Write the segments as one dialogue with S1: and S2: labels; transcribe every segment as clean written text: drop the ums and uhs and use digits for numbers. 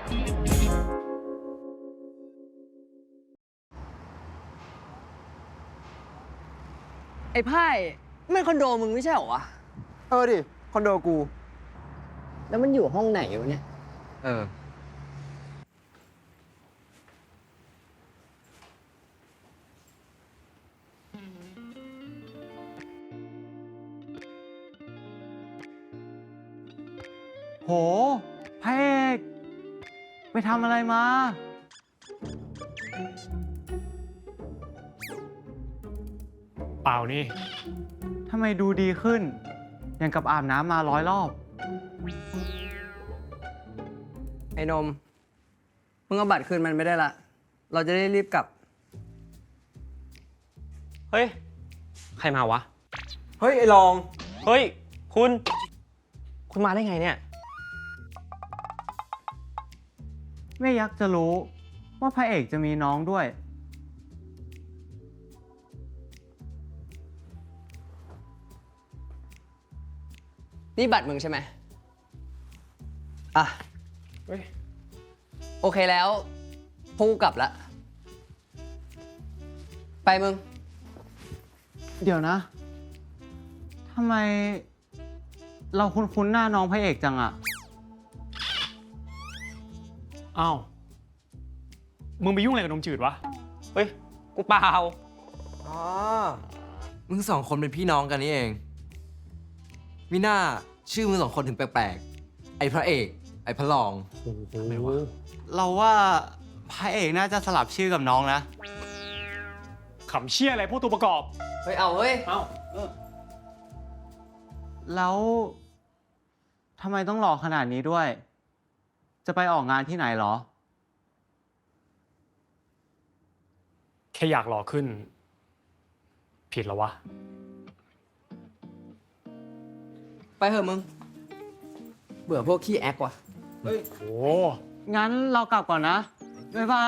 S1: ไอ้ไพ่ไม่คอนโดมึงไม่ใช่เหรอวะ
S2: ดิ คอนโดกู
S1: แล้วมันอยู่ห้องไหนวะเนี่ย
S3: โหพระเอกไปทำอะไรมา
S4: เปล่านี่
S3: ทำไมดูดีขึ้น อย่างกับอาบน้ำมา100 รอบ
S1: ไอ้นมมึงเอาบัตรคืนมันไม่ได้ละเราจะได้รีบกลับ
S5: เฮ้ย ใครมาวะ
S2: เฮ้ย ไอ้ลอง
S5: เฮ้ย คุณมาได้ไงเนี่ย
S3: ไม่อยากจะรู้ว่าพระเอกจะมีน้องด้วย
S1: นี่บัตรมึงใช่ไหมอ่ะ
S4: เฮ้ย
S1: โอเคแล้วพวกกูกลับละไปมึง
S3: เดี๋ยวนะ ทำไมเราคุ้นๆหน้าน้องพระเอกจังอะ
S4: อ้าว มึงไปยุ่งอะไรกับนมจืดวะ
S5: เฮ้ย กูเปล่า
S2: อ๋อ มึงสองคนเป็นพี่น้องกันนี่เองมิน่าชื่อมึงสองคนถึงแปลกๆ ไอ้พระเอก ไอ้พระรอง
S4: อะไรวะ
S3: เราว่าพระเอกน่าจะสลับชื่อกับน้องนะ
S4: ขำเชี่ยอะไรพวกตัวประกอบ
S1: เฮ้ยเอาเฮ้ย
S4: เอ้า
S3: แล้วทำไมต้องหล่อขนาดนี้ด้วย จะไปออกงานที่ไหนเหรอ
S4: แค่อยากหล่อขึ้น ผิดแล้ววะ
S1: ไปเถอะมึง เบื่อพวกขี้แอคว่ะ
S4: โอ้
S3: งั้นเรากลับก่อนนะ บ๊ายบาย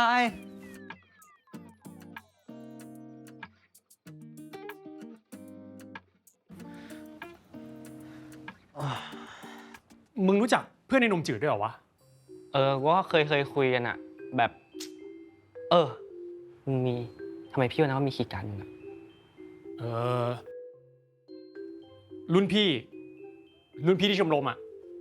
S4: มึงรู้จักเพื่อนในนมจืดด้วยเหรอวะ
S5: กูก็เคยคุยกันอะแบบ มึงมีทำไมพี่ว่านะว่ามีขีดกันอะ
S4: เออ รุ่นพี่ที่ชมรมอะ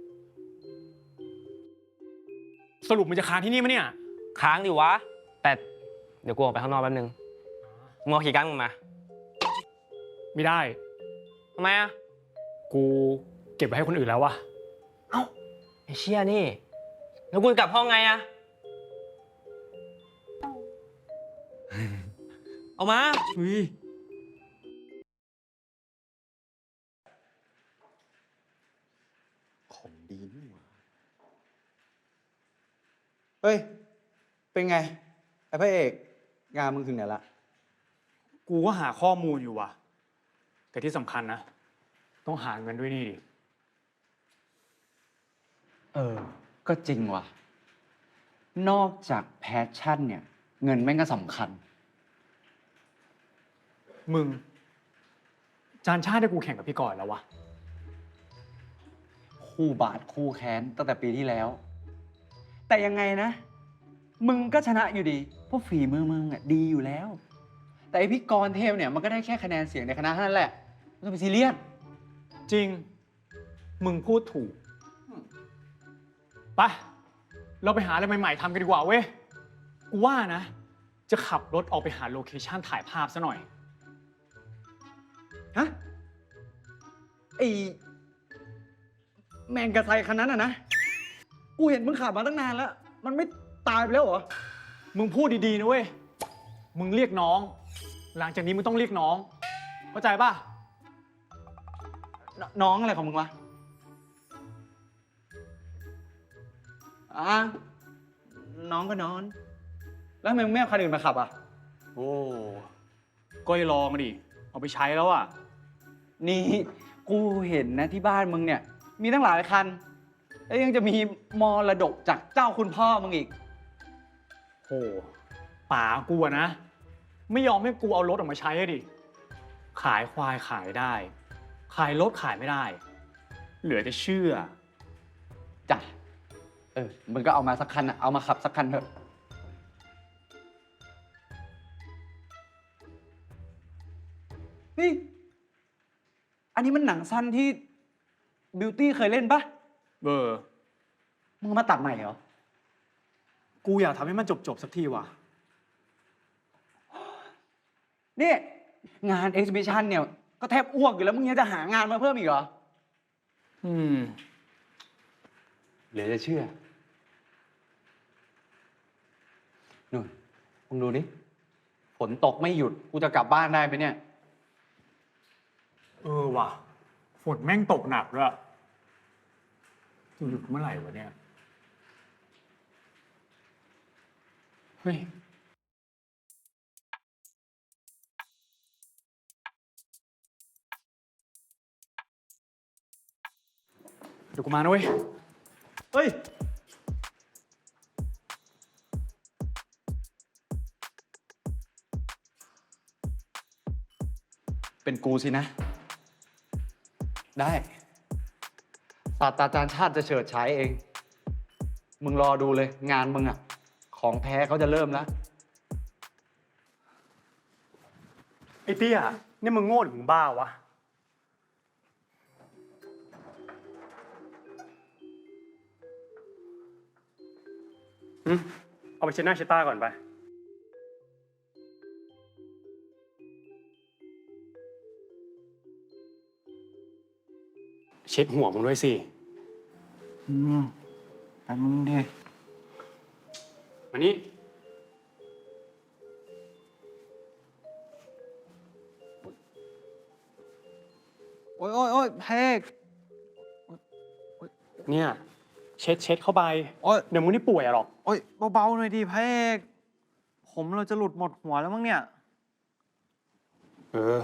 S4: สรุปมึงจะค้างที่นี่มั้ยเนี่ย
S5: ค้างดิวะ แต่เดี๋ยวกูออกไปข้างนอกแป๊บนึง มึงเอาขีดกันมึงมา
S4: ไม่ได้
S5: ทำไมอะ
S4: กูเก็บไว้ให้คนอื่นแล้ววะ
S5: เอ้าไอ้เชี่ยนี่ แล้วกูจะกลับห้องไงอะเอามา
S2: ของดีนี่หว่าเฮ้ย เป็นไง ไอ้พระเอก งานมึงถึงไหนละ
S4: กูก็หาข้อมูลอยู่ว่ะ แต่ที่สำคัญนะ ต้องหาเงินด้วยนี่ดิ
S6: ก็จริงว่ะ นอกจากแพชชั่นเนี่ย เงินแม่งก็สำคัญ
S4: มึง จานชาติได้กูแข่งกับพี่ก่อนแล้ววะ
S6: คู่บาทคู่แค้นตั้งแต่ปีที่แล้ว แต่ยังไงนะ มึงก็ชนะอยู่ดี เพราะฝีมือมึงอ่ะดีอยู่แล้ว แต่ไอพี่กรณ์เทพเนี่ยมันก็ได้แค่คะแนนเสียงในคณะเท่านั้นแหละไม่ต้องไปซีเรียส
S4: จริง มึงพูดถูก ไป เราไปหาอะไรใหม่ๆทำกันดีกว่าเว้ย กูว่านะ จะขับรถออกไปหาโลเคชั่นถ่ายภาพซะหน่อย
S6: ฮะ ไอแมงกะไซคันนั้นอ่ะนะ กูเห็นมึงขับมาตั้งนานแล้ว มันไม่ตายไปแล้วเหรอ
S4: มึงพูดดีๆนะเว้ย มึงเรียกน้อง หลังจากนี้มึงต้องเรียกน้อง เข้าใจป่ะ
S6: น้องอะไรของมึงวะน้องก็นอน แล้วทำไมมึงไม่เอาคันอื่นมาขับอ่ะ
S4: โอ้ ก็อย่าลองดิ เอาไปใช้แล้วอ่ะ
S6: นี่กูเห็นนะที่บ้านมึงเนี่ย มีตั้งหลายคัน แล้วยังจะมีมรดกจากเจ้าคุณพ่อมึงอีก
S4: โหป๋ากูอะนะ ไม่ยอมให้กูเอารถออกมาใช้อะดิ ขายควายขายได้ ขายรถขายไม่ได้ เหลือจะเชื่อ
S6: จ้ะมึงก็เอามาสักคันอะเอามาขับสักคันเถอะ นี่ อันนี้มันหนังสั้นที่บิวตี้เคยเล่นปะ มึงเอามาตัดใหม่เหรอ
S4: กูอยากทำให้มันจบสักทีว่ะ
S6: นี่ งานเอ็กซิบิชันเนี่ย ก็แทบอ้วกอยู่แล้ว มึงยังจะหางานมาเพิ่มอีกเหรอ เหลือจะเชื่อ นู่น มึงดูดิ ฝนตกไม่หยุด กูจะกลับบ้านได้ไหมเนี่ย
S4: ว่ะ ฝนแม่งตกหนักด้วยจะหยุดเมื่อไหร่วะเนี่ย เฮ้ย เดี๋ยวกูมานะเว้ย เฮ้ย
S6: เป็นกูสินะ ได้ศาสตราจารย์ชาติจะเฉิดฉายเอง มึงรอดูเลย งานมึงอะของแท้เขาจะเริ่มแล้ว
S4: ไอ้เตี้ยนี่มึงโง่หรือมึงบ้าวะ เอาไปเช็ดหน้าเช็ดตาก่อนไป เช็ดหัวมึงด้วยสิ
S3: แป๊บนึงดิ
S4: มานี่
S3: โอ๊ยโอ๊ยโอ๊ยพระเอก
S4: เนี่ย เช็ดเข้าไป
S3: โอ๊ย
S4: เดี๋ยวมึงนี่ป่วยอะหรอก
S3: โอ๊ยเบาๆหน่อยดิพระเอก ผมเราจะหลุดหมดหัวแล้วมั้งเนี่ย
S4: เออ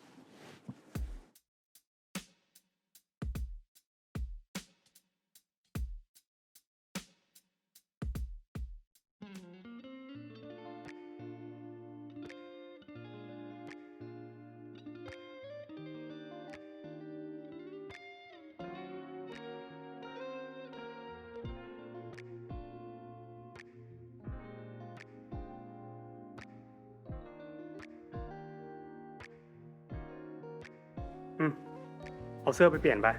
S4: เอาเสื้อไปเปลี่ยนไป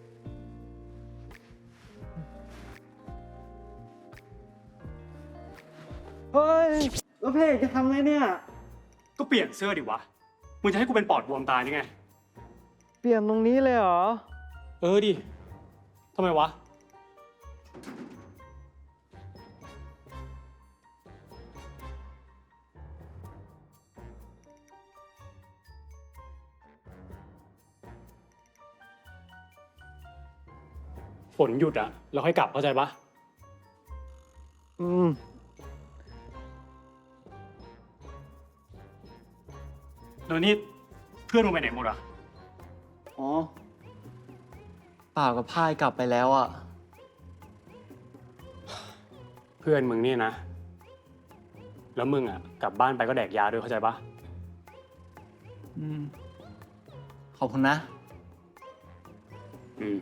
S3: เฮ้ย แล้วพระเอกจะทำไงเนี่ย
S4: ก็เปลี่ยนเสื้อดิวะ มึงจะให้กูเป็นปอดบวมตายยังไง
S3: เปลี่ยนตรงนี้เลยเหรอ
S4: เออดิ ทำไมวะ ฝนหยุดอะเราค่อยกลับเข้าใจปะ
S3: อืม
S4: แล้วนี่เพื่อนมึงไปไหนหมดอะ
S3: อ๋อเปล่ากับพายกลับไปแล้วอ่ะ
S4: เพื่อนมึงเนี่ยนะ แล้วมึงอะกลับบ้านไปก็แดกยาด้วยเข้าใจปะ
S3: อืม ขอบคุณนะ
S4: อืม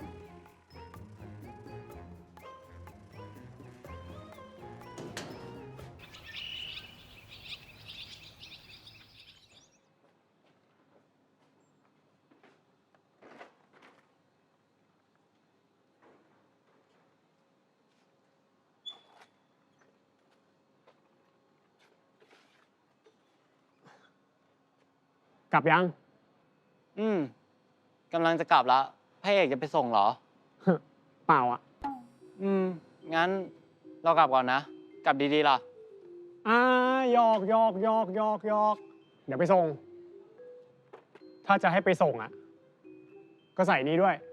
S4: กลับยัง
S3: อืมกำลังจะกลับแล้วพระเอกจะไปส่งเหรอ
S4: เปล่าอะ
S3: งั้นเรากลับก่อนนะ กลับดีๆล่ะ
S4: หยอกเดี๋ยวไปส่ง ถ้าจะให้ไปส่งอะก็ใส่นี้ด้วย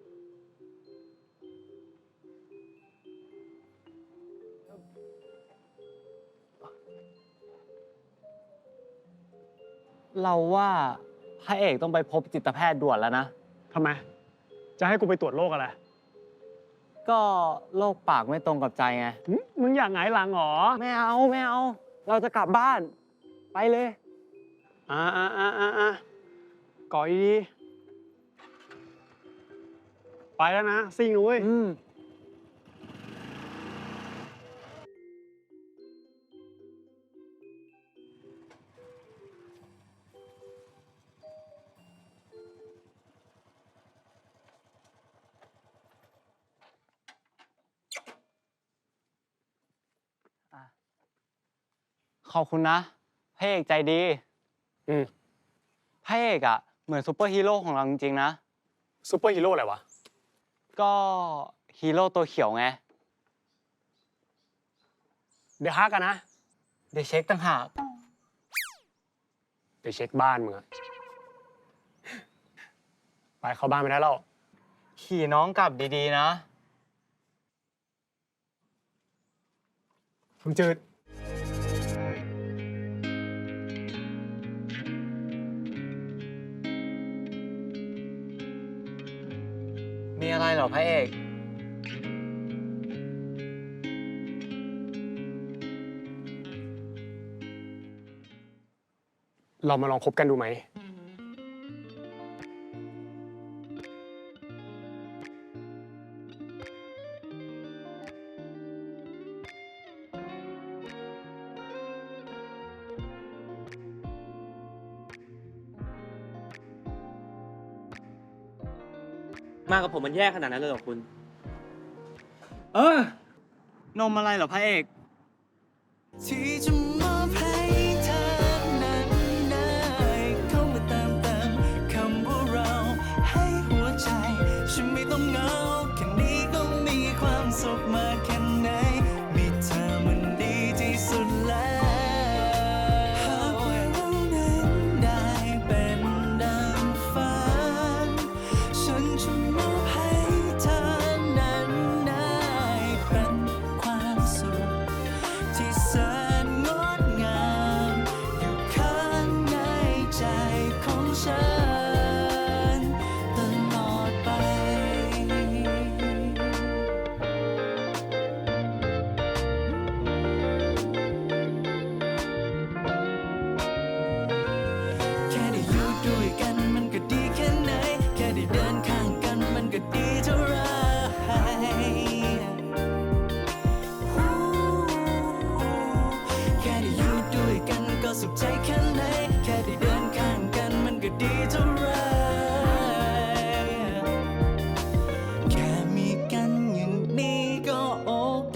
S3: เราว่าพระเอกต้องไปพบจิตแพทย์ด่วนแล้วนะ
S4: ทำไม จะให้กูไปตรวจโรคอะไร
S3: ก็โรคปากไม่ตรงกับใจไง
S4: มึงอยากหงายหลังเหรอ
S3: ไม่เอา เราจะกลับบ้าน ไปเลย
S4: ก่อยดีไปแล้วนะ ซิ่งเลย
S3: อืมขอบคุณนะพระเอกใจดี
S4: อืม
S3: พระเอกอะเหมือนซูเปอร์ฮีโร่ของเราจริงๆนะ
S4: ซูเปอร์ฮีโร่อะไรวะ
S3: ก็ฮีโร่ตัวเขียวไง
S4: เดี๋ยวฮักกันนะ
S3: เดี๋ยวเช็คต่างหาก
S4: เดี๋ยวเช็คบ้านมึงอะไปเข้าบ้านไม่ได้แล้ว
S3: ขี่น้องกลับดีๆนะ
S4: ผมจืด
S3: มีอะไรเหรอพระเอก
S4: เรามาลองคบกันดูไหม
S5: มากับผมมันแย่ขนาดนั้นเลยเหรอคุณ
S3: เออ นมอะไรเหรอพระเอก
S7: ที่จะมอบให้เธอนั้นได้เข้ามาเติมคำว่าเราให้หัวใจ ฉันไม่ต้องเหงาแค่นี้ก็มีความสุขมากแค่ไหนมีเธอมันดีที่สุดแล้วหากว่าเรานั้นได้เป็นดังฝันฉันจะมอบให้เธอนั้นได้เป็นความสุขที่แสนงดงามอยู่ข้างในใจของฉันตลอดไป แค่ได้อยู่ด้วยกันมันก็ดีแค่ไหน แค่ได้เดินข้างกันมันก็ดีเท่าไร แค่ได้อยู่ด้วยกันก็สุขใจแค่ไหน แค่ได้เดินข้างกันมันก็ดีเท่าไร แค่มีกันอย่างนี้ก็โอเค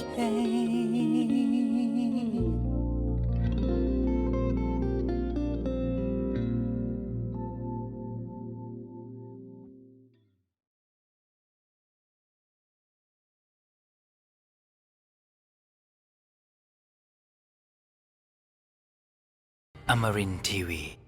S8: Amarin Tiwi.